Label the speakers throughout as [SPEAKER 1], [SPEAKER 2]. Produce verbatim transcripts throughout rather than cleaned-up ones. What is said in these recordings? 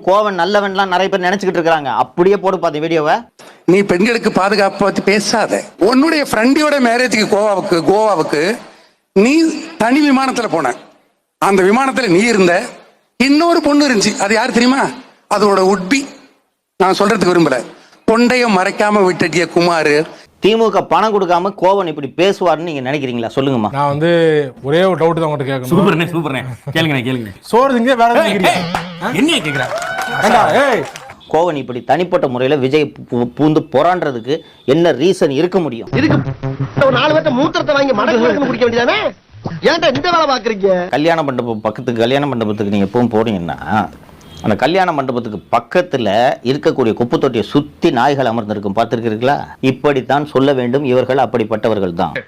[SPEAKER 1] கோவன் நல்லவன்லாம் நிறைய பேர் நினைச்சுக்கிட்டு இருக்காங்க. அப்படியே போடு பாத்து வீடியோவை.
[SPEAKER 2] நீ பெண்களுக்கு பாதுகாப்பு பத்தி பேசாத. உன்னுடைய ஃப்ரெண்டியோட மேரேஜுக்கு கோவாவுக்கு கோவாவுக்கு நீ தனி விமானத்துல போன. அந்த விமானத்துல நீ இருந்த, இன்னொரு பொண்ணு இருந்துச்சு. அது யார் தெரியுமா? அதோட உட்பி. நான் சொல்றதுக்கு விரும்பல. கொண்டைய மறைக்காம விட்டிய குமார்.
[SPEAKER 1] திமுக பணம் கொடுக்காம கோவன் இப்படி பேசுவார்னு நீங்க நினைக்கிறீங்களா? சொல்லுங்கம்மா.
[SPEAKER 3] நான் வந்து ஒரே ஒரு டவுட் தான் உங்ககிட்ட கேட்கணும்.
[SPEAKER 4] சூப்பர்ண்ணே சூப்பர்ண்ணே. கேளுங்க கேளுங்க.
[SPEAKER 3] சோறு திங்க வேற
[SPEAKER 4] என்ன கேக்குறா?
[SPEAKER 3] ஏய்
[SPEAKER 1] கோவன் இப்படி தனிப்பட்ட முறையில விஜய் பூந்து போராடுறதுக்கு என்ன ரீசன் இருக்க முடியும்?
[SPEAKER 5] இதுக்கு ஒரு நாலு பேர்த்த மூத்திரத்தை வாங்கி மடக்கு குடிக்க வேண்டியதானே? ஏன்டா இந்த வேலை பாக்குறீங்க?
[SPEAKER 1] கல்யாண மண்டபம் பக்கத்துக்கு கல்யாண மண்டபத்துக்கு நீங்க எப்பவும் போறீங்கன்னா அந்த கல்யாண மண்டபத்துக்கு பக்கத்துல இருக்கக்கூடிய குப்பை தொட்டியை சுத்தி நாய்கள் அமர்ந்திருக்கும். பார்த்திருக்கிறீர்களா? இப்படித்தான் சொல்ல வேண்டும். இவர்கள் அப்படிப்பட்டவர்கள் தான்.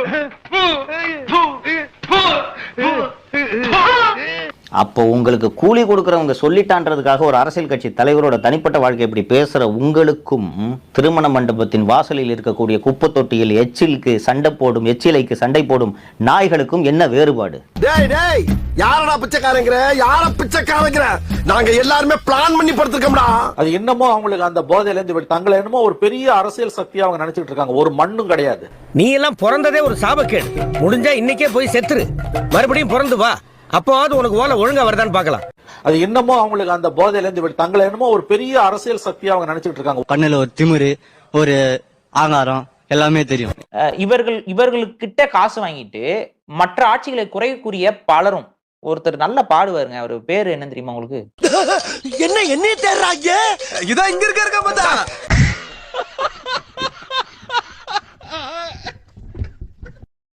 [SPEAKER 1] அப்போ உங்களுக்கு கூலி கொடுக்கறவங்க சொல்லிட்டான்றதுக்காக ஒரு அரசியல் கட்சி தலைவரோட தனிப்பட்ட வாழ்க்கை இப்படி பேசுற உங்களுக்கும் திருமண மண்டபத்தின் வாசலில் இருக்கக்கூடிய குப்பை தொட்டியில் எச்சிலுக்கு சண்டை போடும் எச்சிலைக்கு சண்டை போடும் நாய்களுக்கும் என்ன வேறுபாடு?
[SPEAKER 5] டேய் டேய் யாரடா பிச்சைக்காரங்கற? யார பிச்சைக்காரங்கற? நாங்க எல்லாரும் பிளான் பண்ணி படுத்துக்கோம்டா.
[SPEAKER 6] அது என்னமோ அவங்களுக்கு அந்த போதையில இருந்து தங்களை என்னமோ ஒரு பெரிய அரசியல் சக்தியா அவங்க நினைச்சிட்டு இருக்காங்க. ஒரு மண்ணும் கிடையாது.
[SPEAKER 7] நீ எல்லாம் பிறந்ததே ஒரு சாபக்கேடு. முடிஞ்சா இன்னைக்கே போய் செத்துரு, மறுபடியும் பிறந்து வா. அப்போது உனக்கு ஓலை ஒழுங்கா வருதான்னு பார்க்கலாம்.
[SPEAKER 6] அது என்னமோ அவங்களுக்கு அந்த போதையில இருந்து தங்களை என்னமோ ஒரு பெரிய அரசியல் சக்தியா அவங்க நினைச்சிட்டு இருக்காங்க.
[SPEAKER 8] கண்ணுல ஒரு திமிரு, ஒரு ஆங்காரம் எல்லாமே தெரியும்.
[SPEAKER 9] இவர்கள் இவர்களுக்கிட்ட காசு வாங்கிட்டு மற்ற ஆட்சிகளை குறைக்கூடிய பலரும். ஒருத்தர் நல்ல பாடுவாருங்க. அவர் பேரு என்ன தெரியுமா உங்களுக்கு?
[SPEAKER 5] என்ன என்ன தேடுறாங்க? இதான் இங்க இருக்க இருக்க பார்த்தா